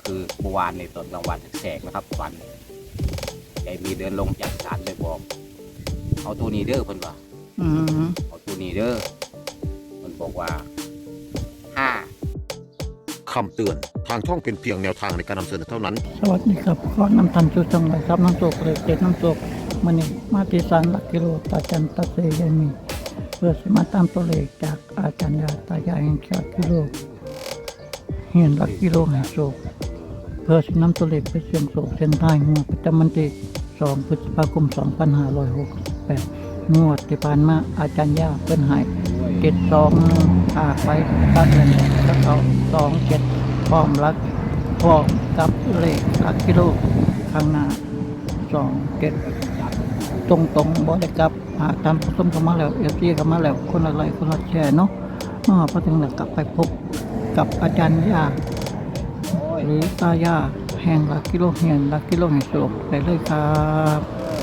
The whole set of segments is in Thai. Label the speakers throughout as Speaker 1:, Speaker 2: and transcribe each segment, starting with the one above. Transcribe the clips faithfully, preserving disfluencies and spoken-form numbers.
Speaker 1: คือเมื่อวานในตอนกลางวันแสกๆนะครับฝันยายมีเดินลงจากศาลไปบอกเอาตัวนี้เด้อเพิ่นว่า
Speaker 2: อืม
Speaker 1: เอาตัวนี้เด้อเพิ่นบอกว่าห้า
Speaker 3: คำเตือนทางช่องเป็นเพียงแนวทางในการนำเสนอเท่านั้น
Speaker 2: สวัสดีครับขอนำทันชูจังเลยครับน้ำโศกเลยเจ็ดน้ำโศกมื่อนี้มาที่ศาลหลักกิโลตาจันตาเซยายมีเพื่อสิมาตามตัวเลขจากอาจารย์ยาตายายแห่งชาติกิโลเฮียนหลักกิโลแห่งโศกเพื่อสินำตัวเลขไปเสี่ยงโศกเส้นท้ายงวดประจำวันที่สองพฤษภาคมสองพันห้าร้อยหกสิบแปดงวดที่ผ่านมาอาจารย์ยาเป็นหายเจ็ดสองอาไปตัดเลยแล้วเขาสองเจ็ดพร้อมรักพร้อมกับเลขหลักกิโลข้างหน้าสองเจ็ดตรงตรงๆบริกับหากทำผสมกันมาแล้วเอฟซีกันมาแล้วคนละไลค์คนละแชร์เนาะเมื่อพอถึงแล้วกลับไปพบกับอาจารย์ยาหรือตายาแห่งหลักกิโลเฮียนหลักกิโลแห่งโศกได้เลยครับ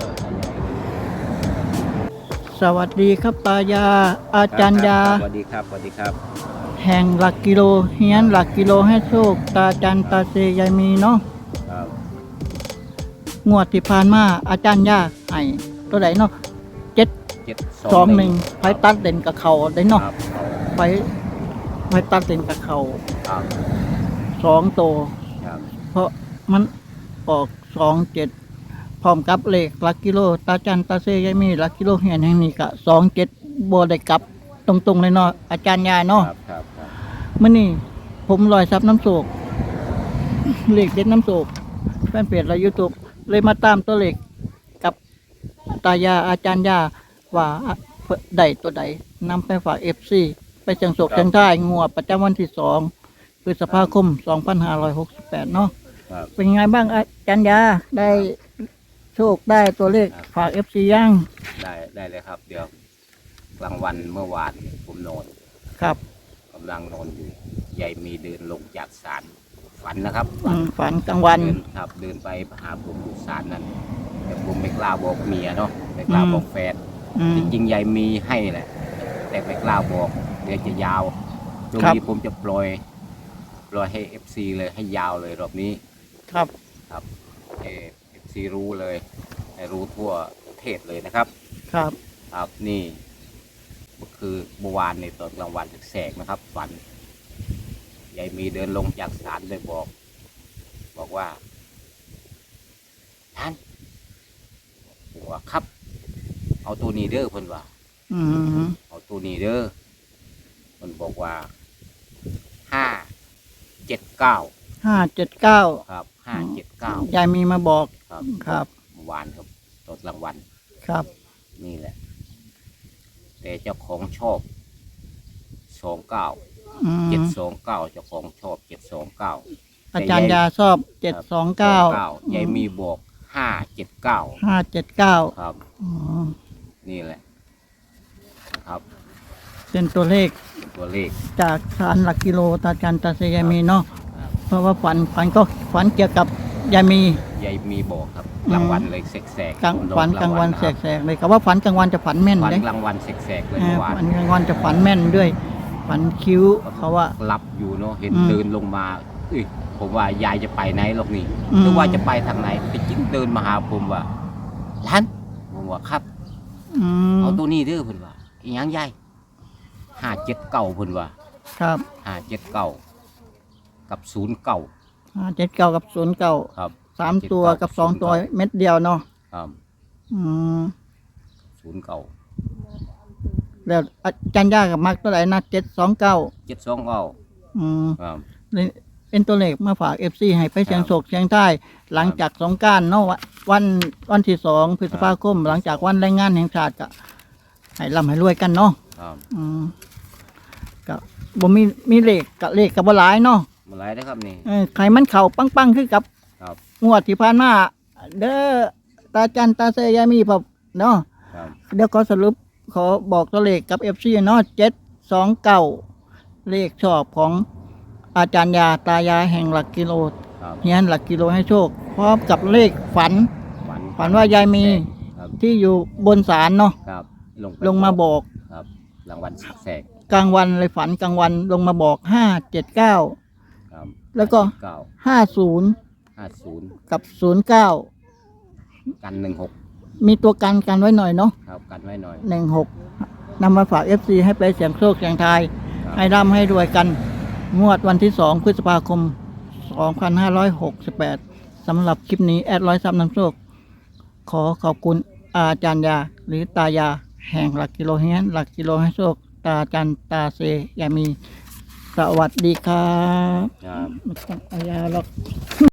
Speaker 2: สวัสดีครับตายาอาจารย์ยา
Speaker 1: สวัสดีครับสวัสดีครับ
Speaker 2: แห่งหลักกิโลเฮียนหลักกิโลให้โชคตาจันตาเซยายมีเนาะ
Speaker 1: ครับ
Speaker 2: งวดที่ผ่านมาอาจารย์ยาให้ตัวไหนเนาะเจ็ด
Speaker 1: เจ็ด
Speaker 2: สองหนึ่งไฟตัดเด่นกับเขาได้เนาะ
Speaker 1: ครับ
Speaker 2: ไฟไฟตัดเด่นกับเขา
Speaker 1: ครับ
Speaker 2: สองโตว
Speaker 1: ครับ
Speaker 2: เพราะมันออกสองเจ็ดพร้อมกับเลขหลักกิโลตาจันตาเซยายมีหลักกิโลเฮียนแห่งนี้กะสองเจ็ดโบได้กลับตรงๆเลยเนาะอาจารย์ยาเนาะ
Speaker 1: ครับครับครับ
Speaker 2: มื่อนี้ผมลอยซับน้ำโศกเลขเด็ดน้ำโศกแฟนเพจและยูทูบเลยมาตามตัวเลขกับตายาอาจารย์ยาว่าใดตัวใดนำไปฝากเอฟซีไปเชียงโศกเชียงท้ายงวดประจำวันที่สองพฤษภาคมสองพันห้าร้อยหกสิบแปดเนาะ
Speaker 1: ครับ
Speaker 2: เป็นไงบ้างอาจารย์ยาได้โชคได้ตัวเลขฝากเอฟซียัง
Speaker 1: ได้ได้เลยครับ เดี๋ยวกลางวันเมื่อวานผมนอน
Speaker 2: ครับ
Speaker 1: กำลังนอนอยู่ยายมีเดินลงจากศาลฝันนะครับ
Speaker 2: อืมฝันกลางวัน
Speaker 1: เดินครับเดินไปหาผมอยู่ศาลนั้นแต่ผมไม่กล้าบอกเมียเนาะไม่กล้าบอกแฟน
Speaker 2: อืม
Speaker 1: จริงๆยายมีให้แหละ แต่ไม่กล้าบอกเดี๋ยวจะยาวตรง
Speaker 2: ครับ
Speaker 1: นี้ผมจะปล่อยปล่อยให้เอฟซีเลยให้ยาวเลยรอบนี้
Speaker 2: ครับ
Speaker 1: ครับเอฟซีรู้เลยให้รู้ทั่วประเทศเลยนะครับ
Speaker 2: ครับ
Speaker 1: ครับนี่ก็คือเมื่อวานในตอนกลางวันแสกๆนะครับฝันยายมีเดินลงจากศาลเลยบอก บอกว่าท่านผมว่าครับ เอาตัวนี้เด้อเพิ่นว่า
Speaker 2: อืม
Speaker 1: เอาตัวนี้เด้อเพิ่นบอกว่าห้าเจ็ดเก้า
Speaker 2: ห้าเจ็ดเก้า
Speaker 1: ครับห้าเจ็ดเก้าย
Speaker 2: ายมีมาบอก
Speaker 1: ครับ
Speaker 2: ครับ
Speaker 1: เมื่อวานครับตอนกลางวัน
Speaker 2: ครับ
Speaker 1: นี่แหละ แต่เจ้าของชอบสองเก้า
Speaker 2: อืม
Speaker 1: เจ็ดสองเก้าเจ้าของชอบเจ็ดสองเก้า
Speaker 2: อาจารย์ยาชอบเจ็ดสองเก้าย
Speaker 1: ายมีบอกห้าเจ็ดเก้า
Speaker 2: ห้าเจ็ดเก้า
Speaker 1: ครับ
Speaker 2: อ๋อ
Speaker 1: นี่แหละครับ
Speaker 2: เป็นตัวเลข
Speaker 1: ตัวเลข
Speaker 2: จากสารหลักกิโลตาจันตาเซยายมีเนาะ
Speaker 1: ครับ
Speaker 2: เพราะว่าฝันฝันก็ฝันเกี่ยวกับยายมี
Speaker 1: ยายมีบอกครับ
Speaker 2: อืม
Speaker 1: กลางวันเลยแสกๆ
Speaker 2: กลาง
Speaker 1: นอ
Speaker 2: ฝันกลางวัน
Speaker 1: ะครับ
Speaker 2: แสกๆเลยกับว่าฝันกลางวันจะฝันแม่น
Speaker 1: ฝัน
Speaker 2: เลย
Speaker 1: กลางวันแสกๆเลย
Speaker 2: อ่า
Speaker 1: เมื่อวาน
Speaker 2: ฝันกลางวันจะฝันแม่นด้วย ฝันคิ้วเขาว่า
Speaker 1: หลับอยู่เนาะเห็น
Speaker 2: อืม
Speaker 1: เดินลงมาเอ้ยผมว่ายายจะไปไหนหรอกนี่
Speaker 2: อืม
Speaker 1: หรือว่าจะไปทางไหนไปจิ้งเดินมาหาผมว่าร้านผมว่าครับ
Speaker 2: อืม
Speaker 1: เอาตัวนี้เด้อเพิ่นว่าอีหยังยายห้าเจ็ดเก้าเพิ่นว่า
Speaker 2: ครับ
Speaker 1: ห้าเจ็ดเก้ากับศูนย์เก้า
Speaker 2: ห้าเจ็ดเก้ากับศูนย์เก้า
Speaker 1: ครับ
Speaker 2: สามตัวกับสองตัวเม็ดเดียวเนาะ
Speaker 1: ครับ
Speaker 2: อืม
Speaker 1: ศูนย์เก้า
Speaker 2: แล้วอาจารย์ยากับมักตัวไหนนะเจ็ดสองเก้า
Speaker 1: เจ็ดสองเก้า
Speaker 2: อืม
Speaker 1: ครับ
Speaker 2: เป็นตัวเลขมาฝากเอฟซีให้ไปเสียงโศกเสียงใต้หลังจากสงกรานต์เนาะวันวันที่สองพฤษภาคม หลังจากวันแรงงานแห่งชาติก็ให้ร่ำให้รวยกันเนาะ
Speaker 1: ครับ
Speaker 2: อืมก็บ่มีมีเลขกับเลขกับบ่หลายเนาะ
Speaker 1: มาไหลนะครับนี่
Speaker 2: เออใครมันเข่าปังๆคือกับ
Speaker 1: ครับ
Speaker 2: งวดที่ผ่านมาเด้อตาจันตาเซยามีพบเนาะ
Speaker 1: ครับ
Speaker 2: เดี๋ยวขอสรุปขอบอกตัวเลขกับเอฟซีเนาะเจ็ดสองเก้าเลขชอบของอาจารย์ยาตายายแห่งหลักกิโล
Speaker 1: ครับ
Speaker 2: เฮียนหลักกิโลให้โชค พร้อมกับเลขฝัน
Speaker 1: ฝัน
Speaker 2: ฝันว่ายายมี
Speaker 1: ครับ
Speaker 2: ที่อยู่บนศาลเนาะ
Speaker 1: ครับลงไป
Speaker 2: ลงมาบอก
Speaker 1: ครับรางวัลแสก
Speaker 2: กลางวันเลยฝันกลางวันลงมาบอกห้าเจ็ดเก้า
Speaker 1: ๆครับ
Speaker 2: แล้วก็
Speaker 1: เก้า
Speaker 2: ห้าศูนย์
Speaker 1: ห้าศูนย์
Speaker 2: กับศูนย์เก้า
Speaker 1: กันหนึ่งหก
Speaker 2: มีตัวกันกันไว้หน่อยเนาะ
Speaker 1: ครับกันไว้หน่อย
Speaker 2: หนึ่งหกนำมาฝาก เอฟ ซี ให้ไปเสียงโชคเสียงทาย
Speaker 1: ครับ
Speaker 2: ให้ร่ำให้รวยกัน งวดวันที่สองพฤษภาคม สองพันห้าร้อยหกสิบแปด สำหรับคลิปนี้ แอดร้อยซับน้ำโชค ขอขอบคุณอาจารย์ยา หรือตายา แห่งหลักกิโลเฮียนหลักกิโลให้โชค ตาจันตาเซยามี สวัสดีครับ
Speaker 1: ครับ
Speaker 2: ไม่ต้องอายาหรอก